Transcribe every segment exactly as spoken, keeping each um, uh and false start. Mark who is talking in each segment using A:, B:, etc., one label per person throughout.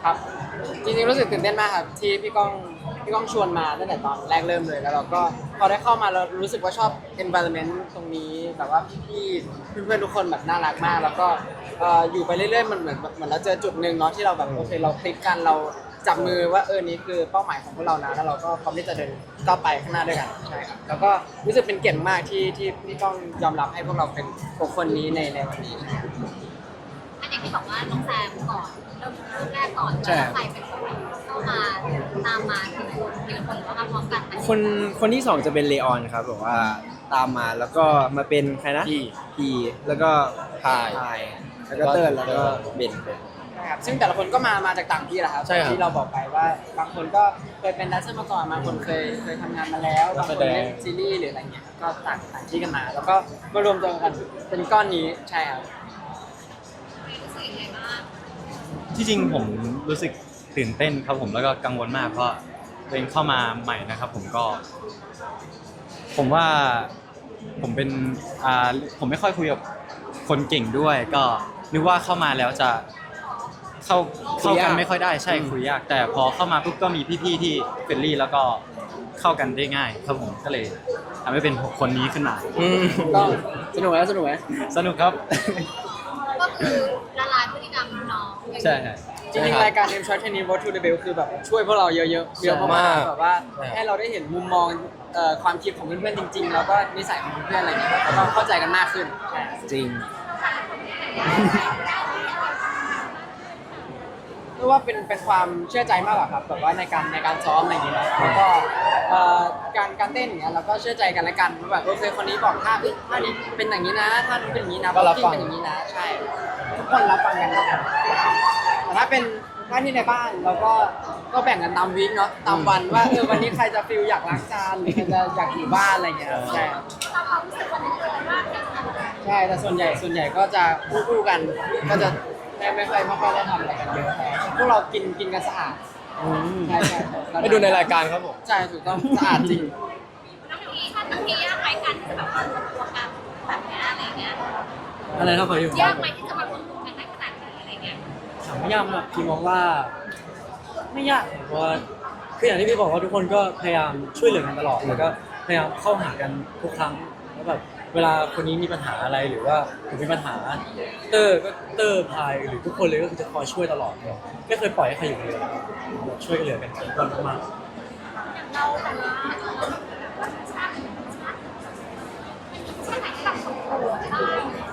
A: ครับจริงๆรู้สึกตื่นเต้นมากครับที่พี่ก้องพี่ก้องชวนมาตั้งแต่ตอนแรกเริ่มเลยแล้วเราก็พอได้เข้ามาเรารู้สึกว่าชอบ environment ตรงนี้แบบว่าพี่ๆเพื่อนๆทุกคนแบบน่ารักมากแล้วก็เอ่ออยู่ไปเรื่อยๆมันเหมือนเหมือนเราเจอจุดหนึ่งเนาะที่เราแบบโอเคเราคลิกกันเราจับมือว่าเออนี่คือเป้าหมายของพวกเรานะแล้วเราก็พร้อมที่จะเดินก้าวไปข้างหน้าด้วยกันใช่ครับแล้วก็รู้สึกเป็นเกียรติมากที่ที่พี่ก้องยอมรับให้พวกเราเป็นบุคคลนี้ในในวันนี้
B: อันอย่างที่บอกว่าน้องแซมก่อนเริ่มเริ่มแรกก่อนแล้วใครเป็นคนเข้ามาตามมาทีละคนทีละคนหรือว่ามาพร้อมกันไหม
C: คนคนที่สองจะเป็นเลออนครับแบบว่าตามมาแล้วก็มาเป็นใครนะ
D: พี่
C: พีแล้วก็
D: พาย
C: พายแล้วก็เติ้ลแล้วก็เบน
A: ใช่ครับซึ่งแต่ละคนก็มามาจากต่างที่แหละครับ
D: ใช่ครับ
A: ที่เราบอกไปว่าบางคนก็เคยเป็นแดนเซอร์มาก่อนบางคนเคยเคยทำงานมาแล้วบางคนเล่นซีรีส์หรืออะไรเงี้ยก็ต่างต่างที่กันมา แล้วก็มารวมตัวกันเป็นก้อนนี้ใช่ครับ
B: รู้สึกยังไงบ้าง
D: ที่จริงผมรู้สึกตื่นเต้นครับผมแล้วก็กังวลมากเพราะตัวเองเข้ามาใหม่นะครับผมก็ ผมว่าผมเป็นอ่าผมไม่ค่อยคุยกับคนเก่งด้วย ก็นึกว่าเข้ามาแล้วจะเข้าเข้ากันไม่ค่อยได้ใช่คุยยากแต่พอเข้ามาปุ๊บก็มีพี่ๆที่เฟรนลี่แล้วก็เข้ากันได้ง่ายครับผมก็เลยทำให้เป็นคนนี้ขึ้นมา
A: ก็สนุกไหมสนุกไหม
D: สนุกครับ
B: ก็คือละลายพฤติกรรมน้อง
D: ใช่ครับ
A: จริงๆรายการ M Shot Training Road to the Bell คือแบบช่วยพวกเราเยอะๆเยอะมากๆแบบว่าให้เราได้เห็นมุมมองเอ่อความคิดของเพื่อนๆจริง ๆ แล้วก็นิสัยของเพื่อนๆอะไรอย่างเงี้ยแล้วก็เข้าใจกันมากขึ้นใช่
C: จริง
A: เรียกว่าเป็นเป็นความเชื่อใจมากกว่าครับแบบว่าในการในการซ้อมอะไรอย่างเงี้ยแล้วก็เอ่อการการเต้นอย่างเงี้ยเราก็เชื่อใจกันและกันว่าแบบโอเคคนนี้บอกท่าเอ้ยท่านี้เป็นอย่างนี้นะท่านี้เป็นอย่างนี้นะ
D: ก็รับฟัง
A: เป็นอย่างนี้นะใช่ทุกคนรับฟังกันนะครับแต่ถ้าเป็นหน้าที่ในบ้านเราก็ก็แบ่งกันตามวีคเนาะตามวันว่าเออวันนี้ใครจะฟิลอยากล้างจานหรือใครจะอยากอยู่บ้านอะไรอย่างเงี้ยใช่
B: เราความรู้สึกวันนั้นเลยว่าจะทำอะไร
A: ใช่แต่ส่วนใหญ่ส่วนใหญ่ก็จะคู่ๆกันก็จะไม่ไม่ค่อยไม่ค่อยได้ทำอะไรกันเยอะแต่พวกเรากินกินกันสะอาดใช่ใช่
D: ไปดูในรายการครับผม
A: ใช่ถูกต้องสะอาดจริง
B: น้องพีถ้าน้องพียากไหมการที่จะแบบมารวมตัวกันแบบเนี้ยอะไรเงี้ย
E: อะไรนะขออยู่
B: ยากไหมที่จะมารวมตัวกันได้ขนาดนี้อะไรเงี้ย
E: ถามว่ายากไหมพี่มองว่าไม่ยากเพราะว่าคืออย่างที่พี่บอกว่าทุกคนก็พยายามช่วยเหลือกันตลอดแล้วก็พยายามเข้าหากันทุกครั้งแล้วแบบเวลาคนนี้มีปัญหาอะไรหรือว่าผมมีปัญหาเตอร์ก็เตอร์พายหรือทุกคนเลยก็คือจะคอยช่วยตลอดเลยไม่เคยปล่อยให้ใครอยู่คนเดียวช่วยกันเหลือกันทุกคนมาก
B: อย่างเราแต่ละเราชาติชาติชาติไหนที่แบบสมบูรณ์บ้าง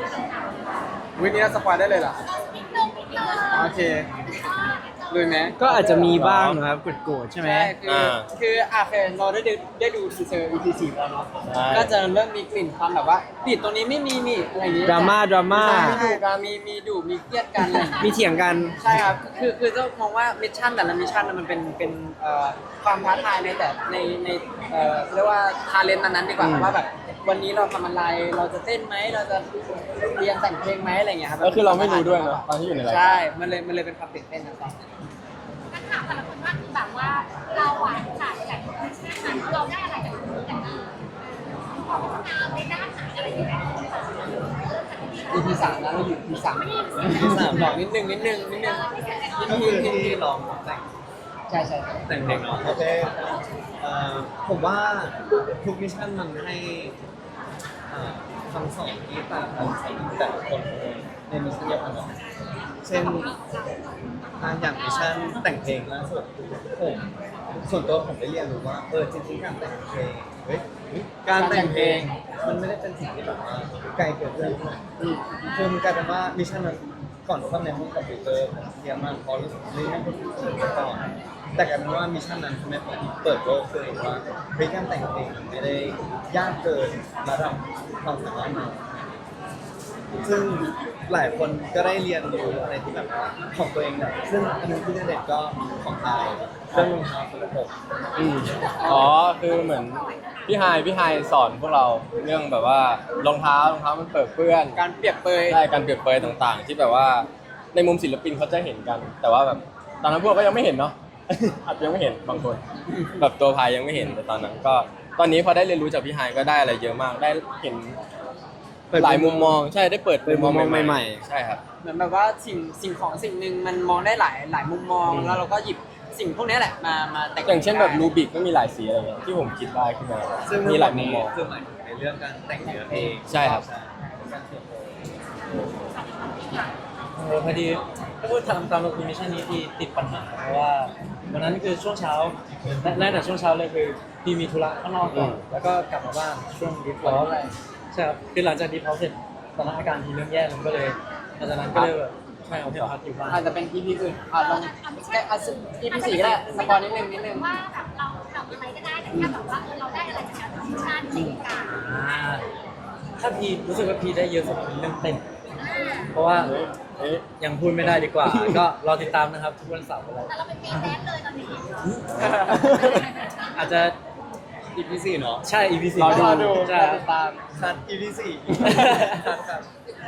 A: วินนี้สปอยได้เลยเหรอ
B: นิดนึงนิดนึง
A: โอเคลุยไหม
C: ก็อาจจะมีบ้างนะครับโกรธๆใช่ไหม
A: ใช่คือคืออาเคยเราได้ดูได้ดูทีเซอร์ อี พี สี่แล้วเนาะก็จะเริ่มมีกลิ่นความแบบว่าปิดตรงนี้ไม่มีนี่อะไรอย่างงี้
C: ดราม่าดราม่า
A: ใช่การมีมีดุมีเครียดกันอะไรอย่างงี้
C: มีเถียงกัน
A: ใช่ครับ คือคือต้องมองว่ามิชชั่นแต่ละมิชชั่นน่ะมันเป็นเป็นเอ่อความท้าทายในแต่ในในเอ่อเรียกว่าทาเลนต์นั้นๆดีกว่าว่าแบบวันนี้เราทำอะไรเราจะเต้นไหมเราจะเรียนแต่งเพลงไหมอะไรอย่างเงี้ยครับ
D: ก็คือเราไม่รู้ด้วยเนอะตอนที่อยู่ในรายการ
A: ใช่มันเลยมันเลยเป็นความตื่นเต้นนะครับ
B: กันถามแต่ละคนว่าคือแบบว่าเราอ่ะขาดจากชาตินั้นเราได้อะไรจากตรงนี้กันบ้างขอพัฒนาในด้านไหนอะไรอย่างเงี้ย
A: อี พี สามนะเราอยู่ อี พี สาม อี พี สามบอกนิดนึงนิดนึงนิดนึงนิดนึงนิดนึง
F: ที่ลองแต่ง
A: ใช่ใช่
F: แต่งเพลงเนาะโอเคเอ่อผมว่าทุกมิชชั่นมันให้เอ่อคำสอนที่ต่างกันของแต่ละคนในมิชชั่นเดียวกันเนาะเช่นอ่าอย่างมิชชั่นแต่งเพลงล่าสุดผมส่วนตัวผมได้เรียนรู้ว่าเออจริงๆการแต่งเพลงเฮ้ยการแต่งเพลงมันไม่ได้เป็นสิ่งที่แบบว่าไกลเกินเรื่องนะคือมันกลายเป็นว่ามิชชั่นนั้นก่อนเข้าในห้องคอมพิวเตอร์ผมเครียดมากเพราะรู้สึกว่าเฮ้ยนั่นเป็นสิ่งที่ก่อน แต่กลายเป็นว่ามิชชั่นนั้นทำให้ผมเปิดโลกตัวเองว่าเฮ้ยการแต่งเพลงมันไม่ได้ยากเกินระดับความสามารถเราซึ่งหลายคนก็ได้เรียนรู้อะไรที่แบบของตัวเองนะซึ่งอันนึงที่เด็ดก็ของไทยเรื่องรองเท้าสกปรก
D: อืมอ๋อคือเหมือนพี่ไฮพี่ไฮสอนพวกเราเรื่องแบบว่ารองเท้ารองเท้ามันเปิดเปื้อน
A: การเปรียบเปย
D: ใช่การเปรียบเปรยต่างๆ ที่แบบว่าในมุมศิลปินเขาจะเห็นกัน แต่ว่าแบบตอนนั้นพวกก็ยังไม่เห็นเนาะ อาจจะยังไม่เห็นบางคน แบบตัวพายยังไม่เห็นแต่ตอนนั้นก็ตอนนี้พอได้เรียนรู้จากพี่ไฮก็ได้อะไรเยอะมากได้เห็น
C: เปิด
G: หลายมุมมองใช่ได้เปิด
C: เปิดมุมมองใหม่ๆ
G: ใช่ครับ
A: เหมือนแบบว่าสิ่งสิ่งของสิ่งหนึ่งมันมองได้หลายหลายมุมมอง
C: อืม
A: แล้วเราก็หยิบสิ่งพวกนี้แหละมามาแต่ง
G: อย่างเช่นแบบ
A: ได้
G: รูบิกก็มีหลายสีอะไรเงี้ยที่ผมคิดได้ขึ้นมา
F: ซึ่ง
G: มีหลายมุมมอง
F: คือหมายถึงในเรื่องการแต่งเนื้อเพลง
G: ใช่ครับ
F: การเขียนเพลง
E: เออพอดีถ้าพูดตามตามมิชชั่นนี้ที่ติดปัญหาเพราะว่าวันนั้นคือช่วงเช้าแรกแต่ช่วงเช้าเลยคือพี่มีธุระข้างนอกก่อนแล้วก็กลับมาบ้านช่วงดีพอสใช่ครับคือหลังจากดีพอสเสร็จตอนนั้นอาการทีเริ่มแย่ลงก็เลยหลังจากนั้นก็เลยแบบใช่เอาพี่พักอยู่บ้าน
A: อาจจะเป็น อี พี อื่นอ่ะลองแค่อ่ะ อี พี สี่ก็ได้สปอยนิดนึงนิดนึง
B: ว่าแบบเราทำอะไรก็ได้แต่แค่แบบว่าเออเราได้อะไรจากการทำงานในการ
E: อ่าถ้าพีรู้สึกว่าพีได้เยอะสุดเป็นเรื่องเต้น เพราะว่ายังพูดไม่ได้ดีกว่า ก็รอติดตามนะครับทุกวันเสาร์อะไร
B: แต่เราเป็นเมนแดนเลยตอนนี้
E: อาจจะ
F: อี พี สี่เนาะ
E: ใช่ อี พี สี่
A: รอดู
E: รอ
A: ดู
E: ใช่
A: รอติดตาม
F: คัด อี พี สี่ครับ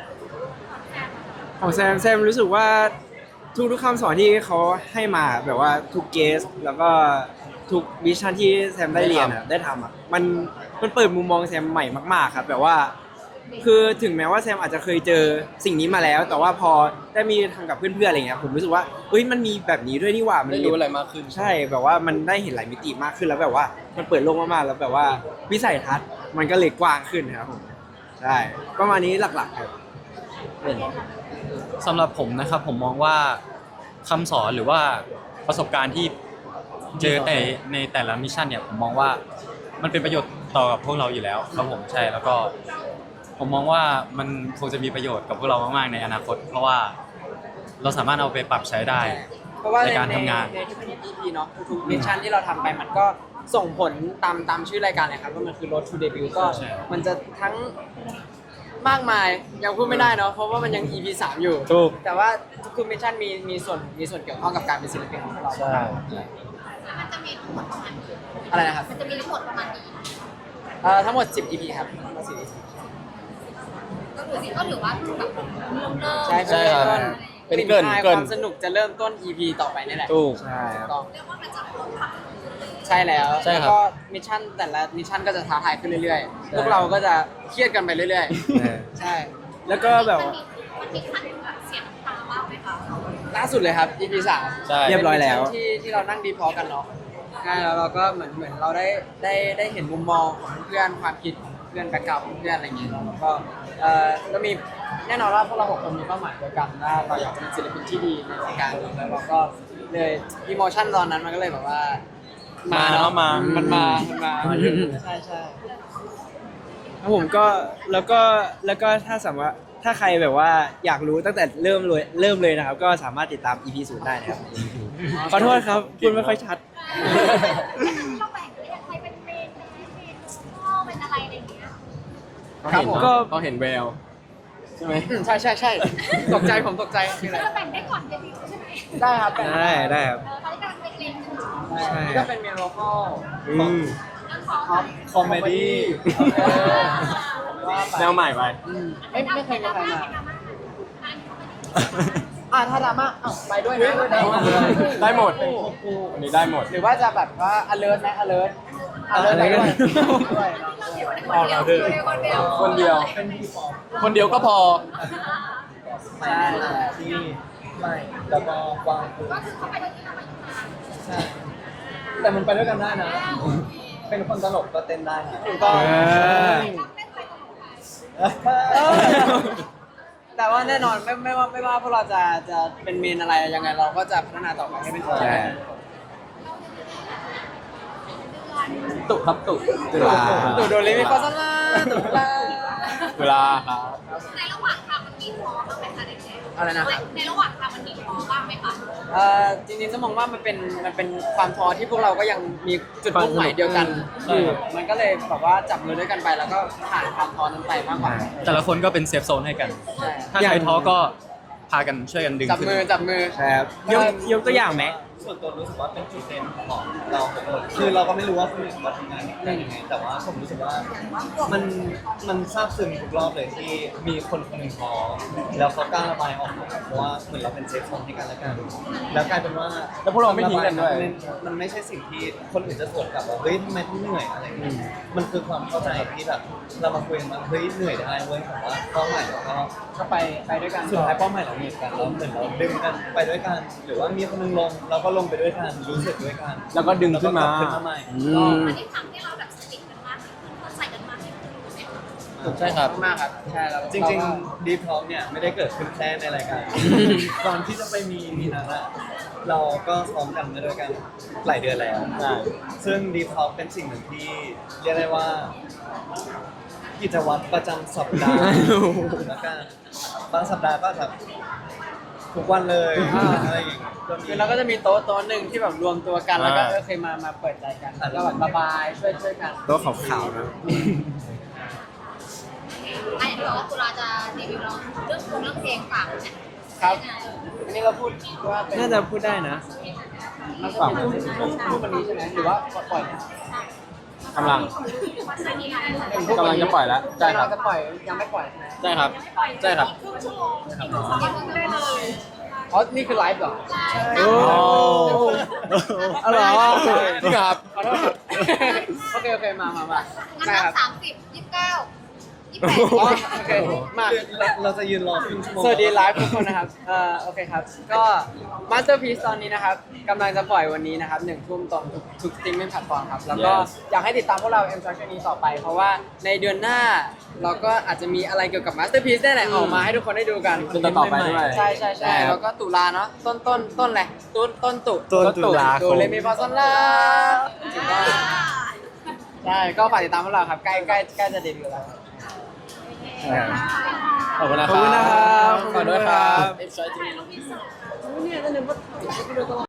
C: ของแซมแซมรู้สึกว่าทุกทุกๆคำสอนที่เขาให้มาแบบว่าทุกเกสแล้วก็ทุกวิชั่นที่แซมได้เรียนอะได้ทำอะมันมันเปิดมุมมองแซมใหม่มากๆครับแบบว่า คือถึงแม้ว่าแซมอาจจะเคยเจอสิ่งนี้มาแล้ว แต่ว่าพอได้มีทำกับเพื่อนๆอะไรเงี้ยผมรู้สึกว่าเฮ้ยมันมีแบบนี้ด้วยนี่หว่ามัน
G: ได้รู้อะไรมากขึ้น
C: ใช่แบบว่ามันได้เห็นหลายมิติมากขึ้นแล้วแบบว่ามันเปิดโลกมากๆแล้วแบบว่าวิสัยทัศน์มันก็เลยกว้างขึ้นครับผมใช่ประมาณนี้หลักๆครับ
D: สำหรับผมนะครับผมมองว่าคำสอนหรือว่าประสบการณ์ที่เจอแต่ในแต่ละมิชชั่นเนี่ยผมมองว่ามันเป็นประโยชน์ต่อกับพวกเราอยู่แล้วครับผมใช่แล้วก็ผมมองว่ามันคงจะมีประโยชน์กับพวกเรามากๆในอนาคต เพราะว่าเราสามารถเอาไปปรับใช้ได้
A: เพราะว่า
D: ในการทำงาน
A: ในทุกๆ อี พี เนาะทุกๆมิชชั่นที่เราทำไปมันก็ส่งผลตามตามชื่อรายการเลยครับว่ามันคือ Road to Debut ก็
D: ใช่
A: มันจะทั้งมากมายยังพูดไม่ได้เนาะเพราะว่ามันยัง อี พี สามอยู่
C: ถูก
A: แต่ว่าทุกๆมิชชั่นมีมีส่วนมีส่วนเกี่ยวข้องกับการเป็นศิลปินของพวกเรา
E: ใช่
B: มันจะมีทั้งหมดประมาณนี้
A: อะไรนะครับ
B: มันจะมีทั้งหมดประมาณนี้
A: เอ่อทั้งหมด สิบ อี พี ครับทั้งหมดสิบ อี พี
B: ก็ถือสิก็ถือว่าคือแบบเริ่มเริ่ม
A: ใช่
G: ใช่ครับ
A: ต้น
G: เป็น
A: กลิ่น
G: เกริ่น
A: อาย
G: เกริ่
A: คน วามสนุกจะเริ่มต้น อี พี ต่อไปนี่แหละ
G: ถูก
C: ใช่ครับ
A: ต้อง
B: เรียกว่ามันจะเริ่มปรับ
A: ใช่แล้ว
G: ใช่ครับ
A: แล้วก็มิชชั่นแต่ละมิชชั่นก็จะท้าทายขึ้นเรื่อยๆ พวกเราก็จะเครียดกันไปเรื่อย
C: เออ
A: ๆ ใช่
C: แล้วก็แบบ
B: มันมีมันมีขั้นแบบเสียน้ำตาบ้างไหมคะ
A: ล่าสุดเลยครับ อี พี สาม
G: ใช่
C: เรียบร้อยแล้ว
A: เป็นมิชชั่นที่ที่เรานั่งดีพอกันเนาะใช่แล้วเราก็เหมือนเหมือนเราได้ได้ได้เห็นมุมมองของเพื่อนความคิดของเพื่อนแบ็คกราวด์ของเพื่อนอะไรอย่างเงี้ยแล้วก็เอ่อก็มีแน่นอนว่าพวกเราหกคนมีเป้าหมายเดียวกันว่าเราอยากเป็นศิลปินที่ดีในวงการแล้วเราก็เลยอีโมชั่นตอนนั้นมันก็เลยแบบว่า
G: มา
A: เนาะ
G: มา
A: มันมามันมา
C: มาเยอะ
A: ใช่ใช่
C: ครับผมก็แล้วก็แล้วก็ถ้าสมมติว่าถ้าใครแบบว่าอยากรู้ตั้งแต่เริ่มเลยเริ่มเลยนะครับ ก็สามารถติดตาม อี พี ศูนย์ได้นะครับขอโทษครับพูดไม่ค่อยชัด
B: เราแบ่งเลยอย่างใครเป็นเมนเมนพ่อเป็นอะไรอะไรอย่างเงี้ย
A: ครับผม
C: ก็
G: เขาเห็นแววใช่ไหม
A: อืมใช่ใช่ใช่ตกใจผมตกใจคืออะไร
B: เราแบ่งได้ก่อนเดบิวต์ใช่ไหม
A: ได้ครับเป็น
C: ได้ได้ครับ
B: เออเขาจะกำลังเป็นเล็งกันอยู่
C: ใช่
A: ก็เป็นเมโลคอล
C: อืม
B: เรื่องของ
A: ท็อป
F: คอมเมดี้
G: แนวใหม่ไป
A: ไม่ไม่เคยมีใครมา
B: อันนี้
A: อ่าถ้าดราม่าอ้าวไปด้วยนะ
G: ได้หมดอันนี้ได้หมด
A: หรือว่าจะแบบว่า alert ไหม alert alert ไปด้วยด้วย
E: ออกเราเถอะ
B: คนเดียว
G: คนเดียว คนเดียวก็พอ
A: ใช่ใช่
F: ที่ไม่แล้วก็กว้างขึ้น
B: ก็คือเข้าไปด้วยที่เราไปท
F: ใช่แต่มันไปด้วยกันได้นะ เป็นคนตลกก็เต้นได้นะ
A: ถูกต้อง
C: เออ
B: ำชอบเล่นไปตลกไป
A: เออแต่ว่าแน่นอนไม่ไม่ว่าไม่ว่าพวกเราจะจะเป็นเมนอะไรยังไงเราก็จะพัฒนาต่อไปให้เป็นตัว
C: ใช่
G: ตุครับตุ
C: ตุลา
A: ตู่โดเรมิโคซันลาตู่ลา
G: เวลาครับ
B: ในระหว่างทางมันมีท้อบ้างไหมคะเด็ก
A: อะไรนะ
B: ๆในระหว่างทางมันมีท้อบ้างไหมคะ
A: เอ่อจริงๆต้องมองว่ามันเป็นมันเป็นความท้อที่พวกเราก็ยังมีจุดมุ่งหมายเดียวกันอยู่มันก็เลยแบบว่าจับมือด้วยกันไปแล้วก็ผ่านความท้อนั้นไปมากกว่า
D: แต่ละคนก็เป็นเซฟโซนให้กัน
A: ใช่
D: ถ้าใครท้อก็พากันช่วยกันดึง
A: จับ
D: ขึ้น
A: มือจับมือ
C: ใช่ครับยกยกตัวอย่างไหม
F: ส่วนตัวรู้สึกว่าเป็นจุดเด่นของเราทุกคนคือเราก็ไม่รู้ว่าคนอื่นเขาทำงานได้ยังไง แต่ว่าผมรู้สึกว่ามันมันซาบซึ้งทุกรอบเลยที่มีคนคนหนึ่งท้อแล้วเขากล้าระบายออกมาเพราะว่าเหมือนเราเป็นเซฟโซนให้กันและกันแล้วกลายเป็นว่า
G: แล้วพวกเราไม่ทิ้งกันด้วย
F: มันมันไม่ใช่สิ่งที่คนอื่นจะสวนกลับว่าเฮ้ยทำไมต้องเหนื่อยอะไรอย่างเงี้ยมันคือความเข้าใจที่แบบเรามาคุยกันว่าเฮ้ยเหนื่อยได้เว้ยแต่ว่าเป้าหมายเราก็
A: ก็ไปไปด้วยกัน
F: สุดท้ายเป้าหมายเราเหมือนกันเราเหมือนเราดึงกันไปด้วยกัน หรือว่ามีคนหนึงลงเราก็ลงไปด้วยกันรู้สึกด้วยกัน
G: แล้วก็ดึงขึ้นมา
F: แล้วก็กลับขึ้นมาใหม่
G: อืม
B: อันนี้ทำให้เราแบบสนิทกันมากขึ้นเข้าใจกันมากขึ้นไหม
G: ใช่ครับ
A: มากครับใช่แล้ว
F: จริงๆดีพร้อมเนี่ยไม่ได้เกิดขึ้นแค่ในรายการ ก่อนที่จะไปมีมีนั้นอะเราก็ซ้อมกันมาด้วยกันหลายเดือนแล้ว
G: ใช่
F: ซึ่งดีพร้อมเป็นสิ่งหนึ่งที่เรียกได้ว่า กิจวัตรประจำสัปดาห์แล้วกันบางสัปดาห์ก็แบบทุกวันเลยอะไรอย่างเงี้ยก็มี
A: คือเราก็จะมีโต๊ะโต๊ะหนึ่งที่แบบรวมตัวกันแล้วก็
G: อ่า
A: เออเคยมามาเปิดใจกันแล้วก็แบบระบายช่วยช่วยกัน
C: โต๊ะขาวๆนะ
B: ไอ้เดี๋ยวตุลาจะรีวิวเราเรื่องเพลงเรื่องเพลงฝากเนี่ย
A: ครับ อันนี้เราพูดว่าเป็น
C: น่าจะพูดได้นะ
A: มันจะเป็นพูดพูดวันนี้ใช่ไหมหรือว่าปล่อย
G: กำลัง
A: พูด
G: กำลังจะปล่อยแล้วใช่ครับ
A: กำลังจะปล่อยยังไม่ปล่อยใช่ไหม
G: ใช่ครับ ใช่ครับ
B: ครึ่งชั่วโมงอีกหนึ่งชั่วโมงได้เลย
A: อ๋อนี่คือไลฟ์เหรอ
G: โอ้
C: เอาเหรอ
G: จริงเหรอครับ
A: ขอโทษครับ โอเคโอเคมามามา
B: งั้น
A: ได้
B: นั
A: ครับ บ
B: สามสิบยี่สิบเก้ายี่สิบแปด
A: อ๋อโอเคมา
F: คือเราเราจะยืนรอครึ่งชั่วโมง
A: สวัสดีไลฟ์ทุกคนนะครับเอ่อโอเคครับ ก็ Masterpiece ตอนนี้นะครับกำลังจะปล่อยวันนี้นะครับหนึ่งทุ่มตรงทุกทุกสตรีมมิ่งแพลตฟอร์มครับ แล้วก็
G: Yes
A: อยากให้ติดตามพวกเรา M Structure นี้ต่อไป เพราะว่าในเดือนหน้าเราก็อาจจะมีอะไรเกี่ยวกับ Masterpiece ได้แหละออกมาให้ทุกคนได้ดูกัน
G: เป็นต่อๆไปด้วย
A: ใช่ใช่ใช่
G: ใช่ครับ
A: แล้วก็ตุลาเนาะต้นต้นต้นอะไรต้นต้นตุ
C: ต้นตุลาคม
A: โดเรมีฟาซอนลาถูกต้องใช่ก็ฝากติดตามพวกเราครับใกล้ใกล้ใกล้จะเดบิวต์แล้ว
G: ขอบคุณนะ
C: ขอบคุณนะครับ
G: ขอบคุณด้วยครับ
A: Enjoy
B: ถ่ายรูปพิเศษ
A: เนี่ยนั่นนึกว่า